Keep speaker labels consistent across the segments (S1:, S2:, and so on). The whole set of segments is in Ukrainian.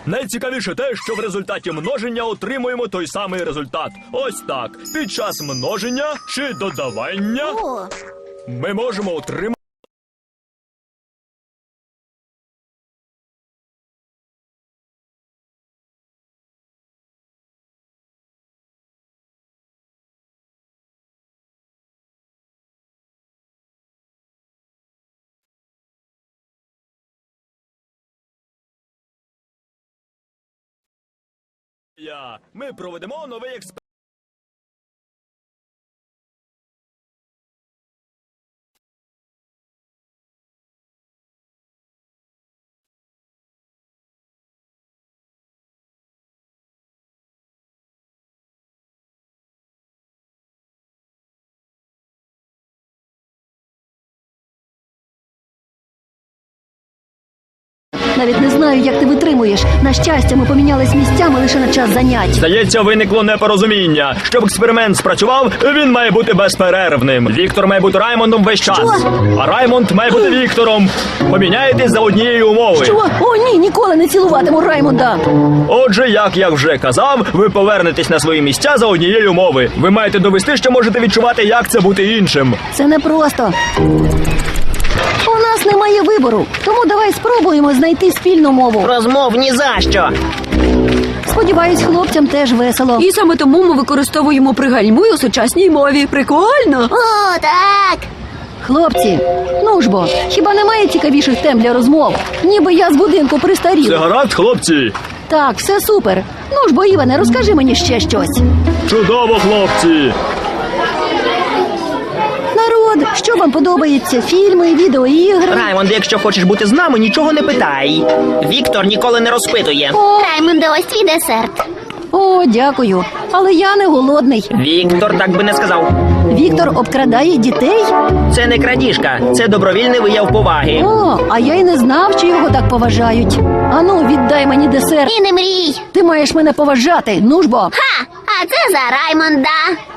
S1: Найцікавіше те, що в результаті множення отримуємо той самий результат. Ось так. Під час множення чи додавання ми можемо отримати... Ми проведемо новий експеримент.
S2: Навіть не знаю, як ти витримуєш. На щастя, ми помінялись місцями лише на час занять.
S1: Здається, виникло непорозуміння. Щоб експеримент спрацював, він має бути безперервним. Віктор має бути Раймондом весь час.
S2: Що?
S1: А Раймонд має бути Віктором. Поміняєтесь за однієї умови.
S2: Що? О, ні, ніколи не цілуватиму Раймонда.
S1: Отже, як я вже казав, ви повернетесь на свої місця за однієї умови. Ви маєте довести, що можете відчувати, як це бути іншим.
S2: Це непросто. У нас немає вибору, тому давай спробуємо знайти спільну мову.
S3: Розмов ні за що.
S2: Сподіваюсь, хлопцям теж весело.
S4: І саме тому ми використовуємо пригальмуй у сучасній мові. Прикольно!
S5: О, так!
S2: Хлопці, ну ж бо, хіба немає цікавіших тем для розмов? Ніби я з будинку
S1: Це
S2: пристарів.
S1: гаразд, хлопці?
S2: Так, все супер. Ну ж бо, Іване, розкажи мені ще щось.
S1: Чудово, хлопці!
S2: Народ, що вам подобається? Фільми, відеоігри?
S3: Раймонд, якщо хочеш бути з нами, нічого не питай. Віктор ніколи не розпитує.
S5: Раймонде, ось твій десерт.
S2: О, дякую. Але я не голодний.
S3: Віктор так би не сказав.
S2: Віктор обкрадає дітей?
S3: Це не крадіжка, це добровільний вияв поваги.
S2: О, а я й не знав, що його так поважають. Ану, віддай мені десерт.
S5: І не мрій.
S2: Ти маєш мене поважати, ну ж бо.
S5: Ха! А це за Раймонда.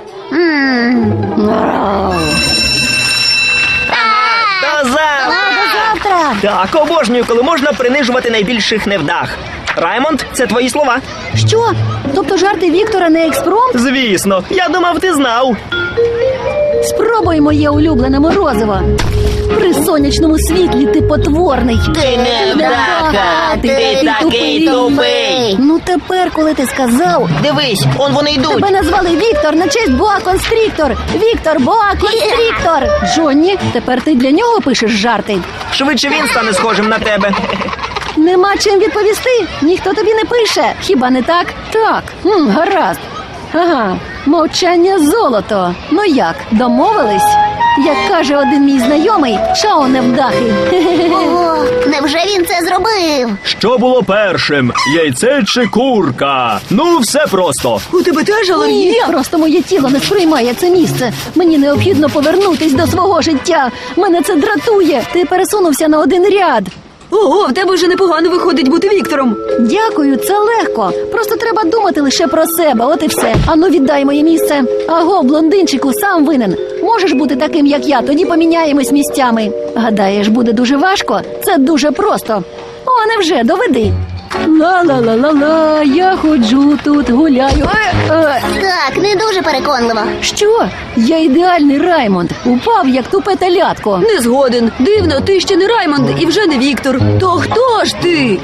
S3: До завтра!
S2: До завтра!
S3: Так, обожнюю, коли можна принижувати найбільших невдах. Раймонд, це твої слова.
S2: Що? Тобто жарти Віктора не експромт?
S3: Звісно, я думав, ти знав.
S2: Спробуй моє улюблене морозиво. При сонячному світлі ти потворний.
S3: Ти невдаха, ти такий тупий.
S2: Ну тепер, коли ти сказав,
S3: Дивись, он вони йдуть.
S2: тебе назвали Віктор на честь Боа Констріктор. Віктор Боа Констріктор. Джонні, тепер ти для нього пишеш жарти.
S3: Швидше він стане схожим на тебе.
S2: Нема чим відповісти. Ніхто тобі не пише. Хіба не так? Так. Гаразд. Ага, мовчання золото. Ну як, домовились? Як каже один мій знайомий, шао невдахи.
S5: Ого, невже він це зробив?
S1: Що було першим? Яйце чи курка? Ну, все просто.
S4: У тебе теж
S2: Ні,
S4: алергія?
S2: просто моє тіло не сприймає це місце. Мені необхідно повернутись до свого життя. Мене це дратує. Ти пересунувся на один ряд.
S4: Ого, в тебе вже непогано виходить бути Віктором.
S2: Дякую, це легко. Просто треба думати лише про себе, от і все. Ану, віддай моє місце. Аго, блондинчику, сам винен. Можеш бути таким, як я, тоді поміняємось місцями. Гадаєш, буде дуже важко? Це дуже просто. О, невже, доведи. Ла-ла-ла-ла-ла, я ходжу тут, гуляю.
S5: Так, не дуже переконливо.
S2: Що? Я ідеальний Раймонд. Упав, як тупе телятко.
S4: Не згоден. Дивно, ти ще не Раймонд і вже не Віктор. То хто ж ти?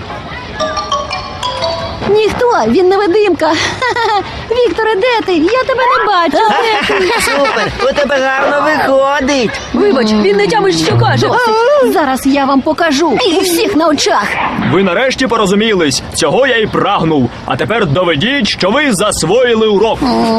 S2: Ніхто, він невидимка. Ха-ха-ха. Вікторе, де ти? Я тебе не бачу. Де ти?
S3: Супер, у тебе гарно виходить.
S4: Вибач, він не тямить, що каже.
S2: Зараз я вам покажу. У всіх на очах.
S1: Ви нарешті порозумілись. Цього я й прагнув. А тепер доведіть, що ви засвоїли урок.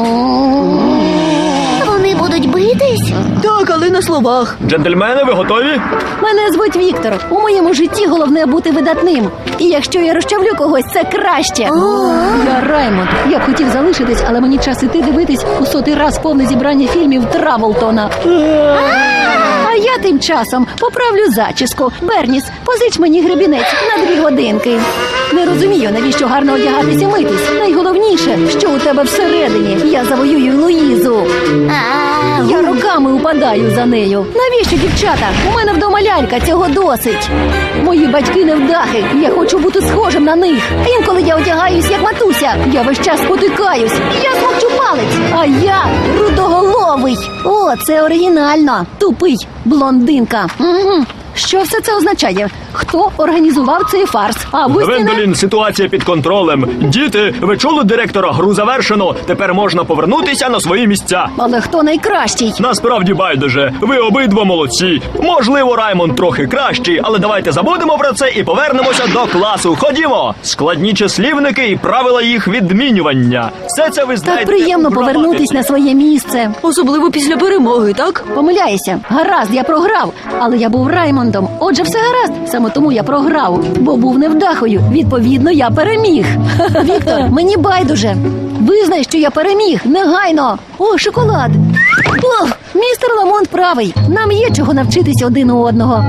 S5: Вони будуть битись?
S4: Так, але на словах.
S1: Джентльмени, ви готові?
S2: Мене звуть Віктор. У моєму житті головне бути видатним. І якщо я розчавлю когось, це краще. Я Раймонд. Я б хотів залишитись, але мені час іти дивитись у 100-й раз повне зібрання фільмів Траволтона. А я тим часом поправлю зачіску. Берніс, позич мені гребінець на 2 годинки. Не розумію, навіщо гарно одягатись і митись. Найголовніше, що у тебе всередині. Я завоюю Луїзу. Я рука роками упадаю за нею. Навіщо, дівчата? У мене вдома лялька, цього досить. Мої батьки невдахи, я хочу бути схожим на них. Інколи я одягаюсь, як матуся, я весь час спотикаюсь. Я смокчу палець, а я рудоголовий. О, це оригінально. Тупий, блондинка. Угу. Що все це означає? Хто організував цей фарс?
S1: Гвендолін, ситуація під контролем. Діти, ви чули директора? Гру завершено. Тепер можна повернутися на свої місця.
S2: Але хто найкращий?
S1: Насправді байдуже. Ви обидва молодці. Можливо, Раймонд трохи кращий, але давайте забудемо про це і повернемося до класу. Ходімо! Складні числівники і правила їх відмінювання. Все це ви знаєте.
S2: Так приємно
S1: у граматиці.
S2: повернутись на своє місце.
S4: Особливо після перемоги, так?
S2: Помиляюся. Гаразд, я програв. Але я був Раймондом. Отже, все гаразд. Саме тому я програв. Бо був невдахою. Відповідно, я переміг. Віктор, мені байдуже. Визнай, що я переміг. Негайно. О, шоколад. Ох, містер Ламонт правий. Нам є чого навчитись один у одного.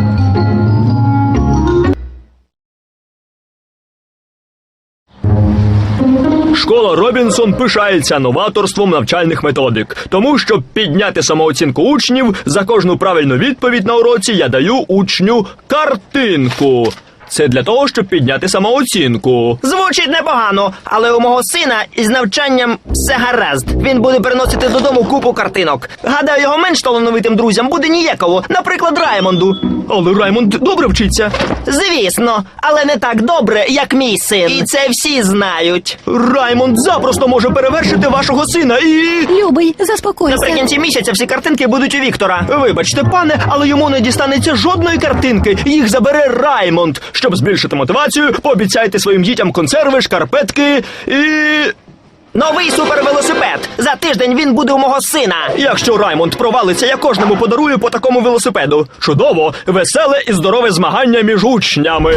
S1: Школа Робінсон пишається новаторством навчальних методик. Тому, щоб підняти самооцінку учнів, за кожну правильну відповідь на уроці я даю учню картинку. Це для того, щоб підняти самооцінку.
S3: Звучить непогано, але у мого сина із навчанням все гаразд. Він буде приносити додому купу картинок. Гадаю, його менш талановитим друзям буде ніяково, наприклад, Раймонду.
S1: Але Раймонд добре вчиться.
S3: Звісно, але не так добре, як мій син. І це всі знають.
S1: Раймонд запросто може перевершити вашого сина і...
S2: Любий, заспокойся.
S3: Наприкінці місяця всі картинки будуть у Віктора.
S1: Вибачте, пане, але йому не дістанеться жодної картинки. Їх забере Раймонд. Щоб збільшити мотивацію, пообіцяйте своїм дітям консерви, шкарпетки і...
S3: Новий супервелосипед. За тиждень він буде у мого сина.
S1: Якщо Раймонд провалиться, я кожному подарую по такому велосипеду. Чудово, веселе і здорове змагання між учнями.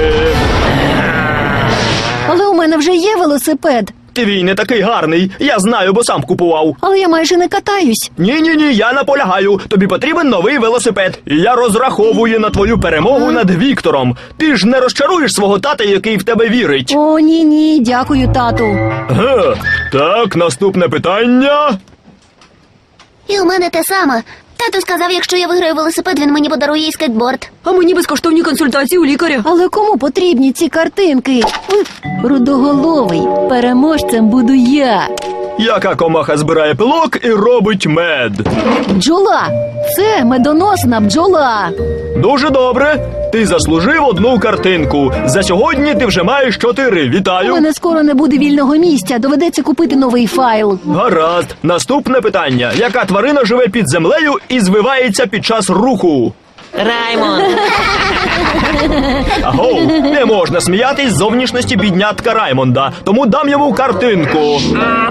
S2: Але у мене вже є велосипед.
S1: Твій не такий гарний. Я знаю, бо сам купував.
S2: Але я майже не катаюсь.
S1: Ні, я наполягаю. Тобі потрібен новий велосипед. І я розраховую на твою перемогу над Віктором. Ти ж не розчаруєш свого тата, який в тебе вірить.
S2: О, ні, дякую, тату.
S1: Ге. Так, наступне питання.
S5: І у мене те саме. Тато сказав, якщо я виграю велосипед, він мені подарує і скейтборд.
S4: А мені безкоштовні консультації у лікаря.
S2: Але кому потрібні ці картинки? Рудоголовий. Переможцем буду я.
S1: Яка комаха збирає пилок і робить мед?
S2: Бджола. Це медоносна бджола.
S1: Дуже добре. Ти заслужив одну картинку. За сьогодні ти вже маєш 4.
S2: У
S1: Вітаю.
S2: мене скоро не буде вільного місця. Доведеться купити новий файл.
S1: Гаразд. Наступне питання. Яка тварина живе під землею і звивається під час руху?
S3: Раймонд.
S1: Агоу, не можна сміятись з зовнішності біднятка Раймонда, тому дам йому картинку.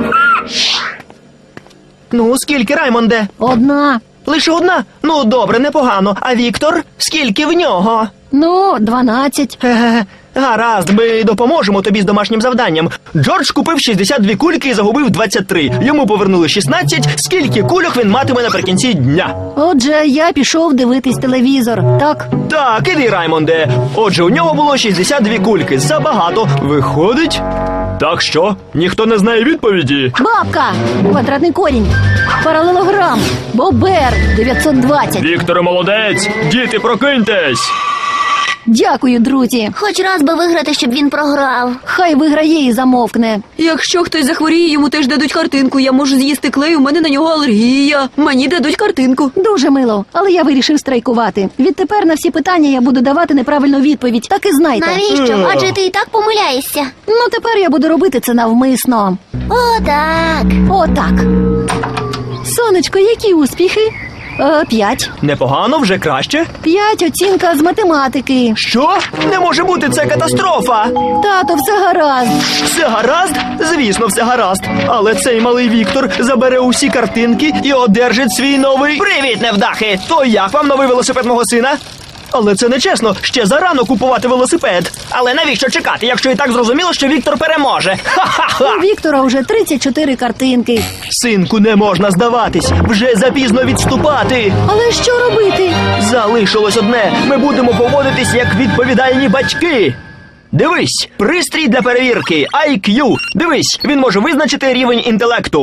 S3: Ну, скільки, Раймонде?
S2: Одна.
S3: Лише одна? Ну, добре, непогано. А Віктор? Скільки в нього?
S2: 12.
S3: Ге-ге. Гаразд, ми допоможемо тобі з домашнім завданням. Джордж купив 62 кульки і загубив 23. Йому повернули 16. Скільки кульок він матиме наприкінці дня?
S2: Отже, я пішов дивитись телевізор. Так?
S3: Так, іди, Раймонде. Отже, у нього було 62 кульки. Забагато. Виходить?
S1: Так що? Ніхто не знає відповіді?
S2: Бабка. Квадратний корінь. Паралелограм. Бобер. 920.
S1: Вікторе, молодець! Діти, прокиньтесь!
S2: Дякую, друзі.
S5: Хоч раз би виграти, щоб він програв.
S2: Хай виграє і замовкне.
S4: Якщо хтось захворіє, йому теж дадуть картинку. Я можу з'їсти клей, у мене на нього алергія. Мені дадуть картинку.
S2: Дуже мило, але я вирішив страйкувати. Відтепер на всі питання я буду давати неправильну відповідь. Так і знайте.
S5: Навіщо? Адже ти і так помиляєшся.
S2: Ну, тепер я буду робити це навмисно.
S5: О, так.
S2: Отак. Сонечко, які успіхи? 5.
S3: Непогано, вже краще.
S2: 5 оцінка з математики.
S3: Що? Не може бути, це катастрофа.
S2: Тато, все гаразд.
S3: Все гаразд? Звісно, все гаразд. Але цей малий Віктор забере усі картинки і одержить свій новий... Привіт, невдахи! То як вам новий велосипед мого сина? Але це нечесно, ще зарано купувати велосипед. Але навіщо чекати, якщо і так зрозуміло, що Віктор переможе? Ха-ха-ха!
S2: У Віктора вже 34 картинки.
S3: Синку, не можна здаватись, вже запізно відступати.
S2: Але що робити?
S3: Залишилось одне, ми будемо поводитись як відповідальні батьки. Дивись, пристрій для перевірки, IQ. Дивись, він може визначити рівень інтелекту.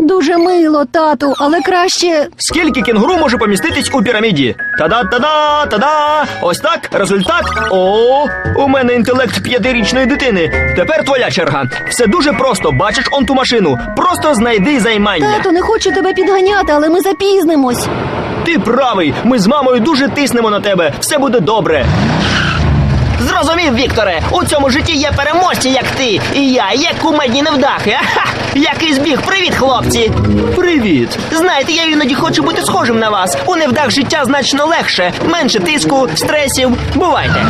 S2: Дуже мило, тату, але краще.
S1: Скільки кінгуру може поміститись у піраміді? Та-да, та-да! Ось так, результат. О, у мене інтелект 5-річної дитини. Тепер твоя черга. Все дуже просто. Бачиш он ту машину. Просто знайди займання.
S2: Тату, не хочу тебе підганяти, але ми запізнимось.
S1: Ти правий. Ми з мамою дуже тиснемо на тебе. Все буде добре.
S3: Зрозумів, Вікторе, у цьому житті є переможці, як ти. І я є кумедні невдахи. Ага! Який збіг. Привіт, хлопці.
S1: Привіт.
S3: Знаєте, я іноді хочу бути схожим на вас. У невдах життя значно легше. Менше тиску, стресів. Бувайте.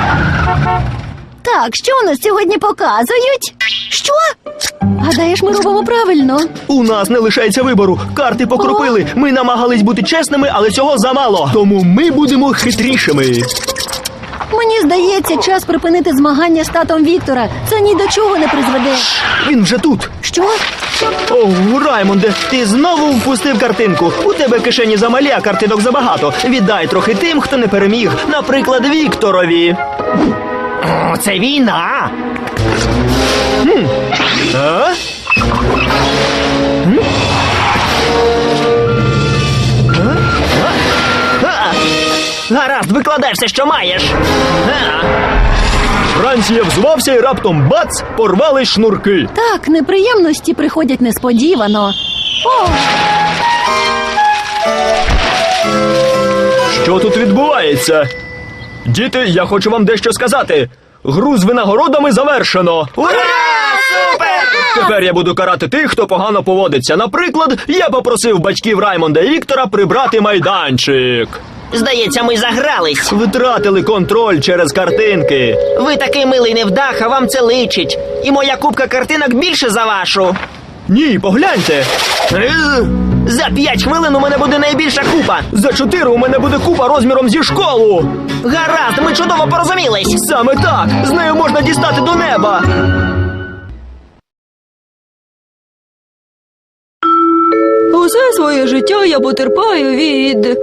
S2: Так, що у нас сьогодні показують? Що? Гадаєш, ми робимо правильно.
S1: У нас не лишається вибору. Карти покропили. Ми намагались бути чесними, але цього замало. Тому ми будемо хитрішими.
S2: Мені здається, час припинити змагання з татом Віктора. Це ні до чого не призведе.
S1: Він вже тут.
S2: Що?
S1: О, Раймонде, ти знову впустив картинку. У тебе кишені замалі, а картинок забагато. Віддай трохи тим, хто не переміг. Наприклад, Вікторові.
S3: О, це війна.
S1: А?
S3: А! Гаразд, викладай все, що маєш. А!
S1: Вранці я взувався і раптом бац, порвали шнурки.
S2: Так, неприємності приходять несподівано. О,
S1: Що тут відбувається? Діти, я хочу вам дещо сказати. Гру з винагородами завершено.
S3: Ура! Супер!
S1: Тепер я буду карати тих, хто погано поводиться. Наприклад, я попросив батьків Раймонда і Віктора прибрати майданчик.
S3: Здається, ми загрались.
S1: Втратили контроль через картинки.
S3: Ви такий милий невдах, а вам це личить. І моя купка картинок більше за вашу.
S1: Ні, погляньте.
S3: За 5 хвилин у мене буде найбільша купа.
S1: За 4 у мене буде купа розміром зі школу.
S3: Гаразд, ми чудово порозумілись.
S1: Саме так. З нею можна дістати до неба.
S4: Усе своє життя я потерпаю від...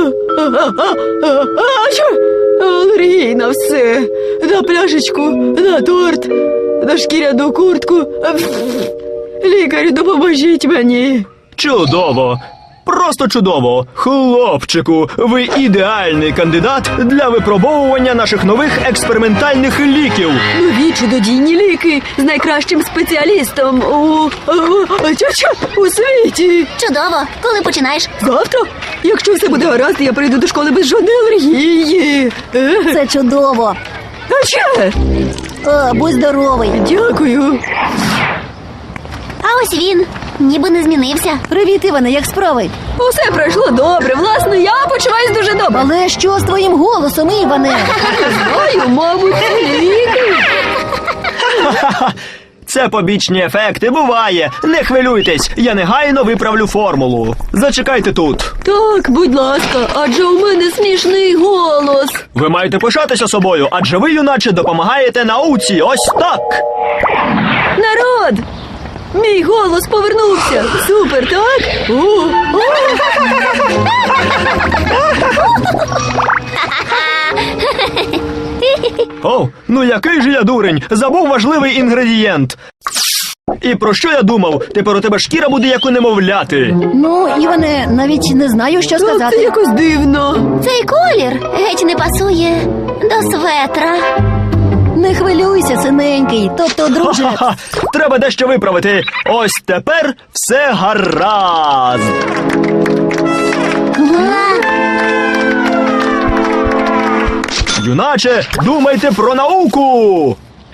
S4: Що? Алергії на все. На пляшечку, на торт, на шкіряну куртку. Лікарю, допоможіть мені.
S1: Чудово. Просто чудово. Хлопчику, ви ідеальний кандидат для випробовування наших нових експериментальних ліків.
S4: Нові чудодійні ліки з найкращим спеціалістом у світі.
S5: Чудово. Коли починаєш?
S4: Завтра, якщо все буде гаразд, я прийду до школи без жодної алергії.
S2: це чудово.
S4: А ще?
S2: О, будь здоровий.
S4: Дякую.
S5: А ось він. Ніби не змінився.
S2: Привіт, Іване, як справи?
S4: Усе пройшло добре. Власне, я почуваюсь дуже добре.
S2: Але що з твоїм голосом, Іване?
S4: Знаю, мабуть, ліки.
S1: Це побічні ефекти, буває. Не хвилюйтесь, я негайно виправлю формулу. Зачекайте тут.
S4: Так, будь ласка, адже у мене смішний голос.
S1: Ви маєте пишатися собою, адже ви, юначе, допомагаєте науці. Ось так.
S4: Народ! Мій голос повернувся. Супер, так?
S1: О, ну який же я дурень, забув важливий інгредієнт. І про що я думав? Тепер у тебе шкіра буде як у немовляти.
S2: Ну, Іване, навіть не знаю, що
S4: Так, це
S2: сказати.
S4: якось дивно.
S5: Цей колір геть не пасує до светра.
S2: Не хвилюйся, синенький. Тобто, друже,
S1: Ха-ха, треба дещо виправити. Ось тепер все гаразд. Юначе, думайте про науку.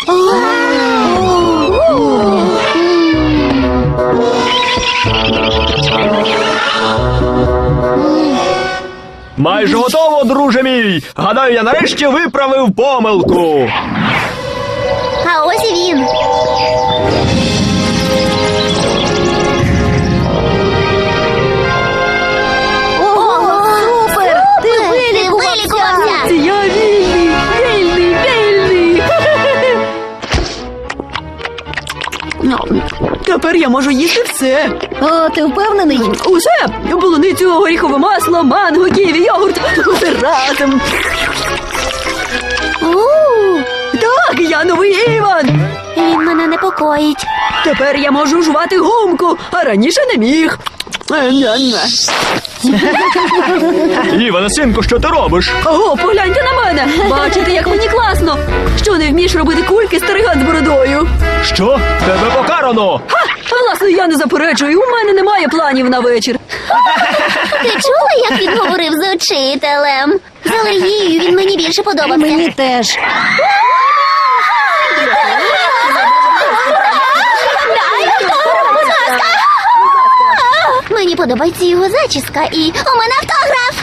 S1: Майже готово, друже мій. Гадаю, я нарешті виправив помилку.
S5: А ось і він.
S2: ого, супер! Ти
S5: Ти
S2: вилікувався!
S5: вилікувався!
S4: Я вільний, вільний, вільний. Тепер я можу їсти все.
S2: О, ти впевнений?
S4: Усе. Полуницю, горіхове масло, манго, ківі, йогурт. Усе разом. Так, Так, я новий Іван!
S5: Він мене непокоїть.
S4: Тепер я можу жувати гумку, а раніше не міг.
S1: Іване, синку, що ти робиш?
S4: Ого, погляньте на мене! Бачите, як мені класно! Що, не вмієш робити кульки, стариган з бородою?
S1: Що? Тебе покарано!
S4: Ха! Власне, я не заперечую, у мене немає планів на вечір.
S5: Ти чула, як він говорив з учителем? З алергією він мені більше подобався.
S2: Мені теж.
S5: Мені подобається його зачіска і у мене автограф.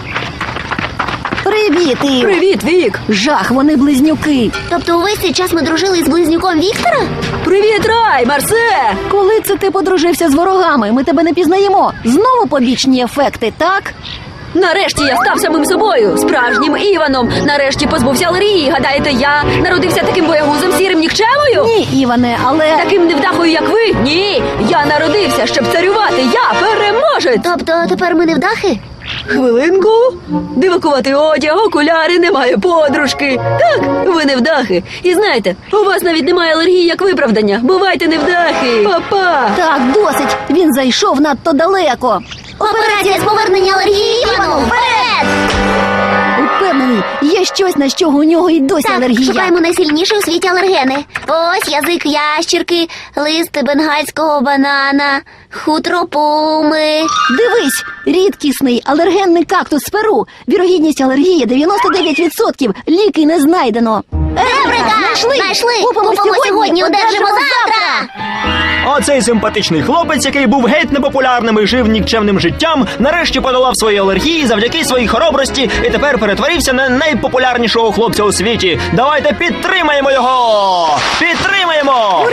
S2: Привіт, Ів.
S4: Привіт, Вік!
S2: Жах, вони близнюки.
S5: Тобто увесь цей час ми дружили з близнюком Віктора?
S4: Привіт, Рай, Марсе!
S2: Коли це ти подружився з ворогами? Ми тебе не пізнаємо. Знову побічні ефекти, так?
S4: Нарешті я став самим собою, справжнім Іваном. Нарешті позбувся алергії. Гадаєте, я народився таким боягузом, сірим нікчемою?
S2: Ні, Іване, але
S4: Таким невдахою, як ви? Ні, я народився, щоб царювати. Я переможець.
S5: Тобто тепер ми невдахи?
S4: Хвилинку. Дивакуватий одяг, окуляри, немає подружки. Так, ви невдахи. І знаєте, у вас навіть немає алергії як виправдання. Бувайте невдахи. Па-па.
S2: так, досить. Він зайшов надто далеко.
S5: Операція з повернення алергії Івану! Вперед!
S2: Упевнений, є щось, на що у нього й досі
S5: Так,
S2: алергія.
S5: шукаємо найсильніші у світі алергени. Ось язик ящірки, лист бенгальського банана, хутро пуми.
S2: Дивись, рідкісний алергенний кактус з Перу. Вірогідність алергії 99%. Ліки не знайдено.
S5: Еврика! Знайшли! Купимо сьогодні, одержимо завтра!
S3: Оцей симпатичний хлопець, який був геть непопулярним і жив нікчемним життям, нарешті подолав свої алергії завдяки своїй хоробрості і тепер перетворився на найпопулярнішого хлопця у світі. Давайте підтримаємо його! Підтримаємо!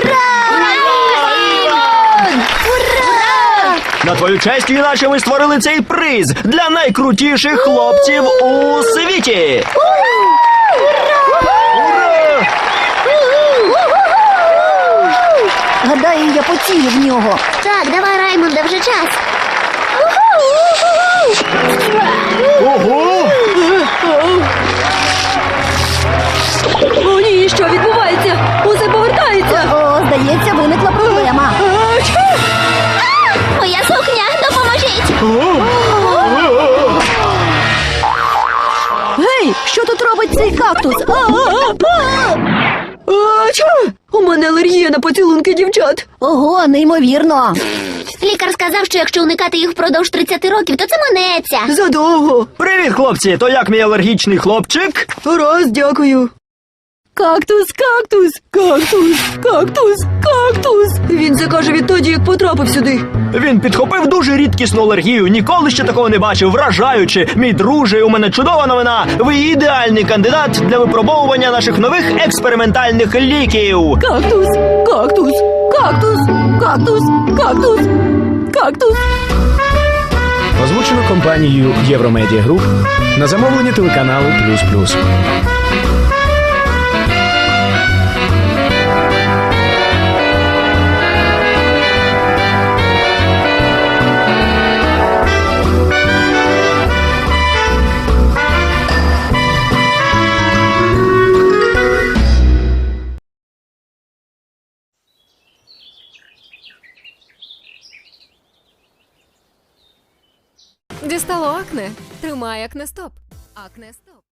S3: На твою честь, іначе ми створили цей приз для найкрутіших хлопців у світі! Ура!
S2: Гадаю, я поцілю в нього.
S5: Так, давай, Раймонде, вже час.
S3: Ого!
S4: О, ні, що відбувається? Усе повертається.
S2: О, здається, виникла проблема.
S5: Моя сукня, допоможіть!
S2: Гей, що тут робить цей кактус?
S4: Ача! У мене алергія на поцілунки дівчат.
S2: Ого, неймовірно.
S5: Лікар сказав, що якщо уникати їх впродовж 30 років, то це минеться.
S4: Задовго.
S3: Привіт, хлопці! То як мій алергічний хлопчик?
S4: Раз, дякую. Кактус, кактус, кактус, кактус, кактус. Він це каже відтоді, як потрапив сюди.
S3: Він підхопив дуже рідкісну алергію. Ніколи ще такого не бачив. Вражаючи. Мій друже, у мене чудова новина. Ви ідеальний кандидат для випробовування наших нових експериментальних ліків.
S4: Кактус, кактус, кактус, кактус, кактус, кактус.
S6: Озвучено компанією Євромедіа Груп на замовлення телеканалу «Плюс-Плюс».
S7: Дістало акне? Тримай акне стоп. Акне стоп.